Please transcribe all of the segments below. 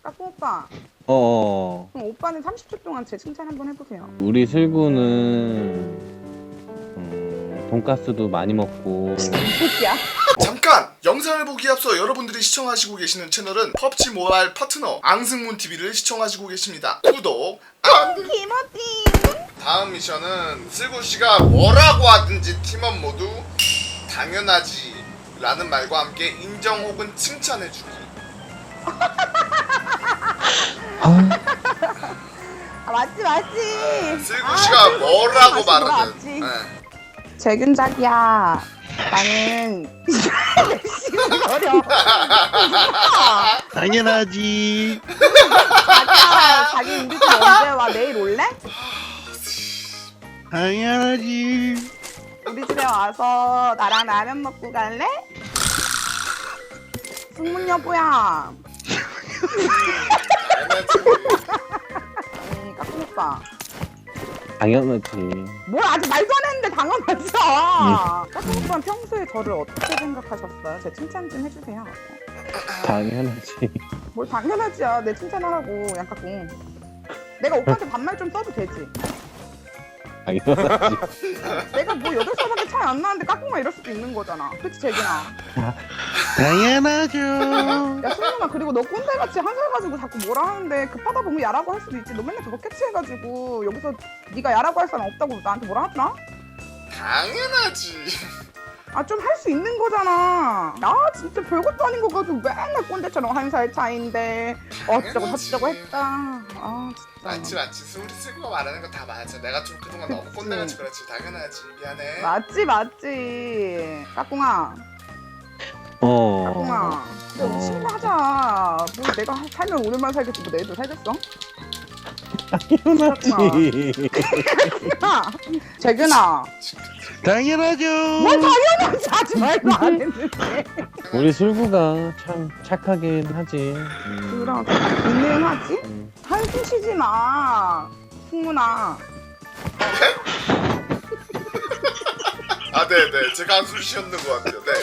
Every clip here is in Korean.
까꿍 오빠. 어어. 그럼 오빠는 30초 동안 제 칭찬 한번 해보세요. 우리 슬구는 돈가스도 많이 먹고 새끼야. 잠깐! 영상을 보기에 앞서 여러분들이 시청하시고 계시는 채널은 펍지 모바일 파트너 앙승문TV를 시청하시고 계십니다. 구독, 김어띠. 다음 미션은 슬구씨가 뭐라고 하든지 팀원 모두 당연하지 라는 말과 함께 인정 혹은 칭찬해주기. 아 맞지. 슬구씨가 뭐라고 말하든 재균작이야. 나는 열심히 거려. 당연하지. 자기야, 자기 우리 집 언제 와? 내일 올래? 당연하지. 우리 집에 와서 나랑 라면 먹고 갈래? 승문 여보야. 까꿍 오빠. 당연하지. 뭘 아직 말도 안 했는데 당연하죠. 까꿍 오빠는 평소에 저를 어떻게 생각하셨어요? 제 칭찬 좀 해주세요. 당연하지. 뭘 당연하지야. 내 칭찬하라고 양까꿍. 내가 오빠한테 반말 좀 써도 되지. 당연하지. 내가 뭐 8살밖에 차이 안 나는데 까꿍만 이럴 수도 있는 거잖아. 그치 재균아? 당연하죠. 야 승문아, 그리고 너 꼰대같이 한 살 가지고 자꾸 뭐라 하는데 급하다 보면 야라고 할 수도 있지. 너 맨날 그거 캐치해가지고 여기서 네가 야라고 할 사람 없다고 나한테 뭐라 하더라? 당연하지. 아 좀 할 수 있는 거잖아. 나 진짜 별것도 아닌 거 가지고 맨날 꼰대처럼 한 살 차인데 어쩌고 저쩌고 했다. 아 진짜. 맞지. 우리 슬구가 말하는 거 다 맞아. 내가 좀 그동안 너무 꼰대같이 그렇지. 당연하지. 미안해. 맞지. 까꿍아. 까꿍아. 우리 친구 하자. 뭐 내가 살면 오늘만 살겠지 뭐 내일도 살겠어? 당연하지. 재균아. 당연하죠. 뭘 당연하지 하지 말도 안 했는데. 우리 슬구가 참 착하긴 하지. 그럼 가능하지? 한숨 쉬지 마. 승문아. 아, 네네. 제가 한숨 쉬었는 것 같아요. 네.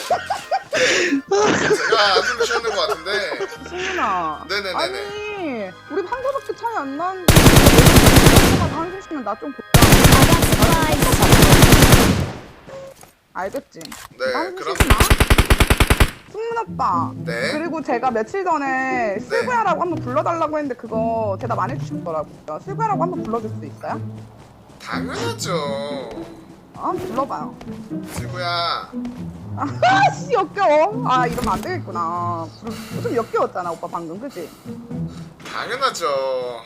제가 한숨 쉬었는 것 같은데. 승문아. 네네네네. 아니 우리 한 살밖에 차이 안 나는데 한숨 쉬면 나 좀 볼까? 알겠지? 네, 한숨 그럼. 쉬지 마. 승문 오빠. 네. 그리고 제가 며칠 전에 슬구야라고 한번 불러달라고 했는데 그거 대답 안 해주셨더라고요. 슬구야라고 한번 불러줄 수 있어요? 당연하죠. 한번 불러봐요. 슬구야. 아씨 역겨워. 아 이러면 안 되겠구나. 좀 역겨웠잖아 오빠 방금, 그치? 당연하죠.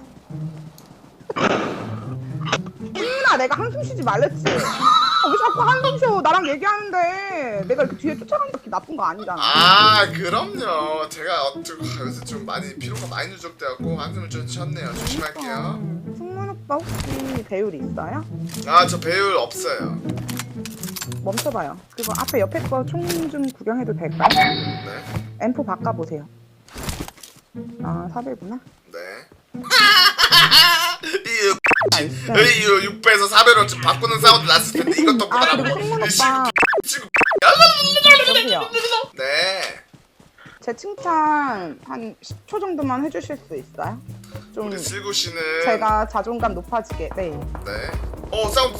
승문아, 내가 한숨 쉬지 말랬지. 왜 자꾸 한숨 쉬어? 나랑 얘기하는데 내가 이렇게 뒤에 쫓아가는 게 나쁜 거 아니잖아. 아, 그럼요. 제가 요새 좀 많이 피로가 많이 누적돼갖고 한숨을 좀 쉬었네요. 조심할게요. 승문 오빠 혹시 배율 있어요? 아, 저 배율 없어요. 멈춰봐요. 그거 앞에 옆에 거 총 좀 구경해도 될까요? 네. M4 바꿔보세요. 아 4배구나. 네. 이 6배에서 4배로 좀 바꾸는 사운드 났을 텐데 이것도 아 못하라고. 그리고 승문 오빠 지금 여보세요. 네. 제 칭찬 한 10초 정도만 해주실 수 있어요? 좀 우리 슬구 씨는 제가 자존감 높아지게. 네. 네. 사운드.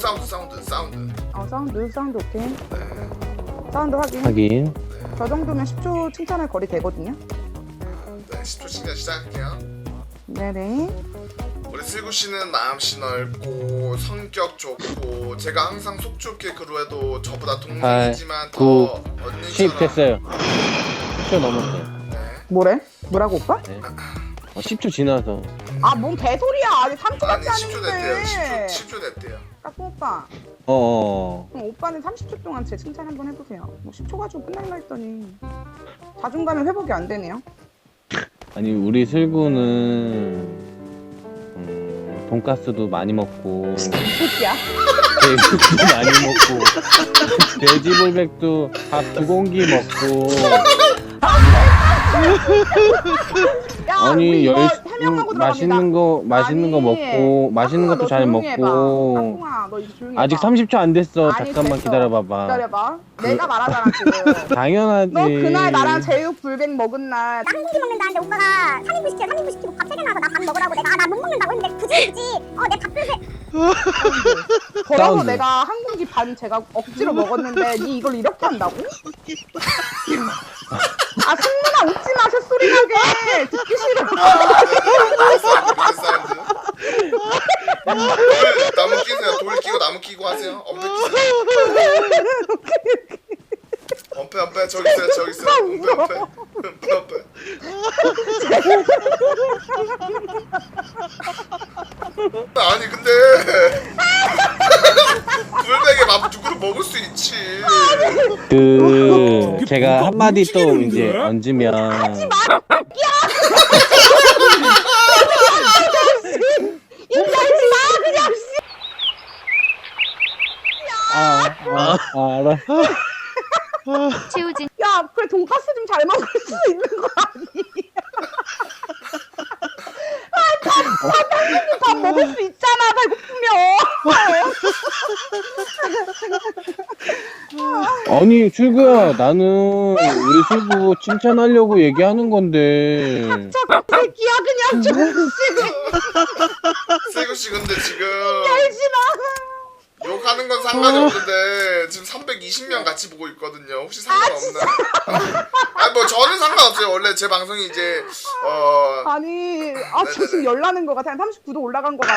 사운드 오케이. 네. 사운드 확인. 하긴. 저 정도면 10초 칭찬할 거리 되거든요. 네. 10초 칭찬 시작할게요. 네네. 우리 슬구 씨는 마음씨 넓고 성격 좋고 제가 항상 속 좁게 그루해도 저보다 동생이지만 9, 더 10 언니처럼. 됐어요. 10초 넘었어요. 네. 뭐래? 뭐라고 오빠? 네. 10초 지나서. 아 뭔 개소리야. 아직 3초밖에 아니 안 10초 됐대요. 했는데. 10초 됐대요. 까꿍 오빠. 어어. 그럼 오빠는 30초 동안 제 칭찬 한번 해보세요. 뭐 10초 가지고 끝날라 했더니 자존감이 회복이 안 되네요. 아니 우리 슬구는 돈가스도 많이 먹고 새끼야. 돼지국도 많이 먹고 돼지불백도 밥 2공기 먹고 야, 아니 우리 이거 해명하고 맛있는 거 먹고 맛있는 것도 잘 먹고 까꿍아, 너 이제 조용히 아직 해봐. 30초 안 됐어. 아니, 잠깐만 됐어. 기다려봐봐. 기다려봐. 내가 말하잖아 지금. 당연하지. 너 그날 나랑 제육 불백 먹은 날 나 한 공기 먹는다는데 오빠가 3인분 시켜서 시키고 밥 3개 나와서 나 밥 먹으라고 내가 나 못 먹는다고 했는데 굳이 내 밥그릇에 걸어서 사운드. 내가 한 공기 반 제가 억지로 먹었는데 니 이걸 이렇게 한다고? 아 승민아 웃지 마 쇳소리 나게 듣기 싫어. 나무 끼세요. 돌 끼고 나무 끼고 하세요. 엄폐 끼세요. 엄폐 저기 있어요. 저기 있어요. 엄폐. 아니 근데 불백에 밥 두 그릇 먹을 수 있지. 그 제가 한마디 또 이제 얹으면 알아. 최우진 야 그래 돈가스 좀 잘 먹을 수 있는 거 아니야? 밥 먹을 수 있잖아 배고프면. 아니 출구야, 나는 우리 출구 칭찬하려고 얘기하는 건데. 저 새끼야 그냥 좀 세구 씨 근데 지금 알지 마. 욕하는 건 상관이 없는데 지금 320명 같이 보고 있거든요. 혹시 상관없나요? 아니 뭐 저는 상관없어요. 원래 제 방송이 이제 아니 저 네네네. 지금 열나는 거 같아. 한 39도 올라간 거 같아.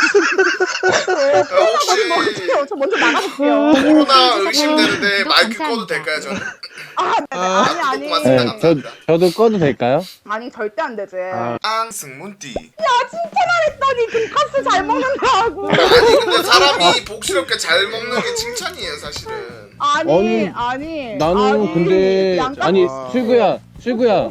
혹시 저 먼저 나가볼게요. 코로나 의심되는데 구독 마이크 감사합니다. 꺼도 될까요 저는? 아니 고맙습니다. 네, 감사합니다. 저도 꺼도 될까요? 아니 절대 안 되지. 앙승문띠. 칭찬하랬더니 돈가스 잘 먹는다고. 아니 근데 사람이 복스럽게 잘 먹는 게 칭찬이에요 사실은. 아니 나는 근데 양가- 아니 출구야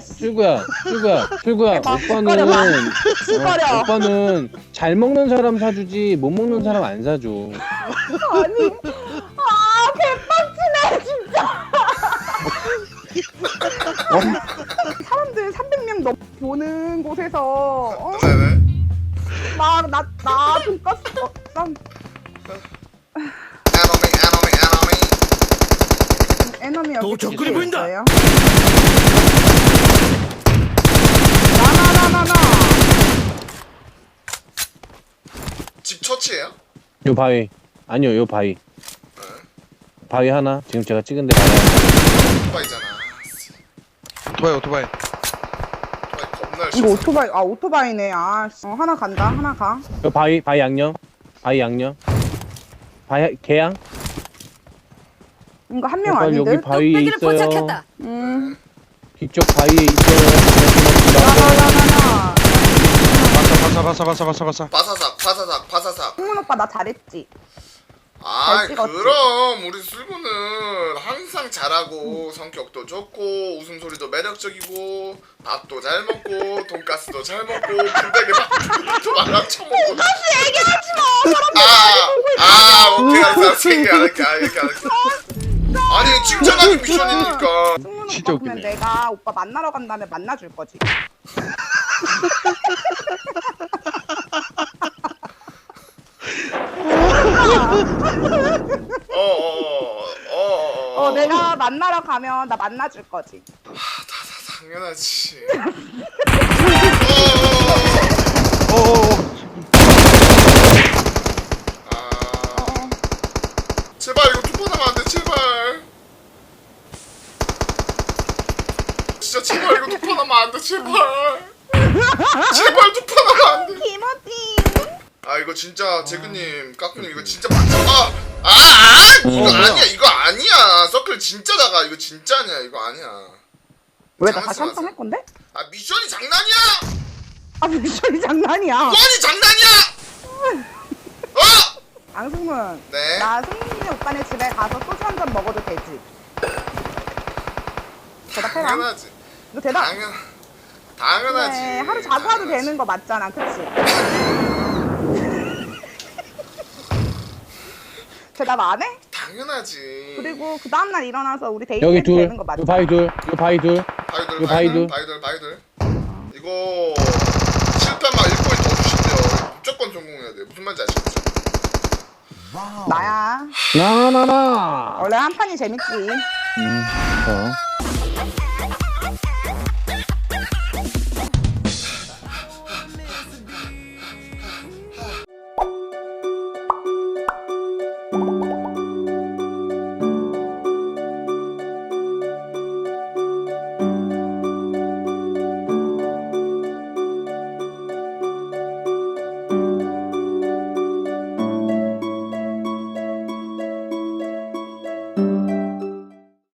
오빠는 숟가락. 오빠는 잘 먹는 사람 사주지 못 먹는 사람 안 사줘. 아니 개빡치네 진짜. 사람들 300명 넘 보는 곳에서 네네. 나 돈가스 난 에너미. 에너미 여기 접근이 보인다. 있어요. 나 집 처치예요? 요 바위 아니요 요 바위 하나 지금 제가 찍은 데 바위 하나. 오토바이잖아. 오토바이 오토바이 겁나 이거 열심히. 오토바이네. 하나 간다. 하나 가. 요 바위 양념 바위 개양. 이거 한 명 오빠 아닌데? 여기 바위에 있어요. 뒤쪽 바위에 있어요. 나나나나나. 바사바사바사바사바사. 바사삭. 승문 오빠 나 잘했지. 아 잘 찍었지. 그럼 우리 술구는 항상 잘하고 성격도 좋고 웃음소리도 매력적이고 밥도 잘 먹고 돈가스도 잘 먹고 불백에 밥도 많아 처먹고. 돈가스 얘기하지 마. 오케이 알았어 얘기 안 할게. 아니 칭찬하기 미션이니까. 승문 진짜 오빠 그러면 웃기네. 내가 오빠 만나러 간 다음에 만나줄 거지. 내가 만나러 가면 나 만나줄 거지. 당연하지. 제발 이거 투포 나면 안 돼, 제발. 진짜 제발 이거 투포 나면 안 돼, 제발. 제발 투포 나면 안 돼. 김어띠. 아 이거 진짜 재근님, 까꾸님 이거 진짜 이거 아니야. 서클 진짜 작아. 이거 진짜 아니야. 이거 아니야. 왜 나 다시 장난치지 한 판 마세요. 할 건데? 아 미션이 장난이야. 미션이 장난이야. 미션이 장난이야. 앙승문. 네. 나 승민이 오빠네 집에 가서 소주 한 잔 먹어도 되지? 대답해라. 당연하지. 이거 대답. 당연하지. 그래, 하루 자고 와도 되는 거 맞잖아, 그치? 대답 안 해? 당연하지. 그리고 그 다음날 일어나서 우리 데이트 여기 해도 둘, 되는 거 요 맞잖아. 바위 둘. 바이들. 이거 실패만 1포인트 더 주신대요. 무조건 성공해야 돼. 무슨 말인지 아시겠죠? 나야. 나나나. 원래 한 판이 재밌지. 저.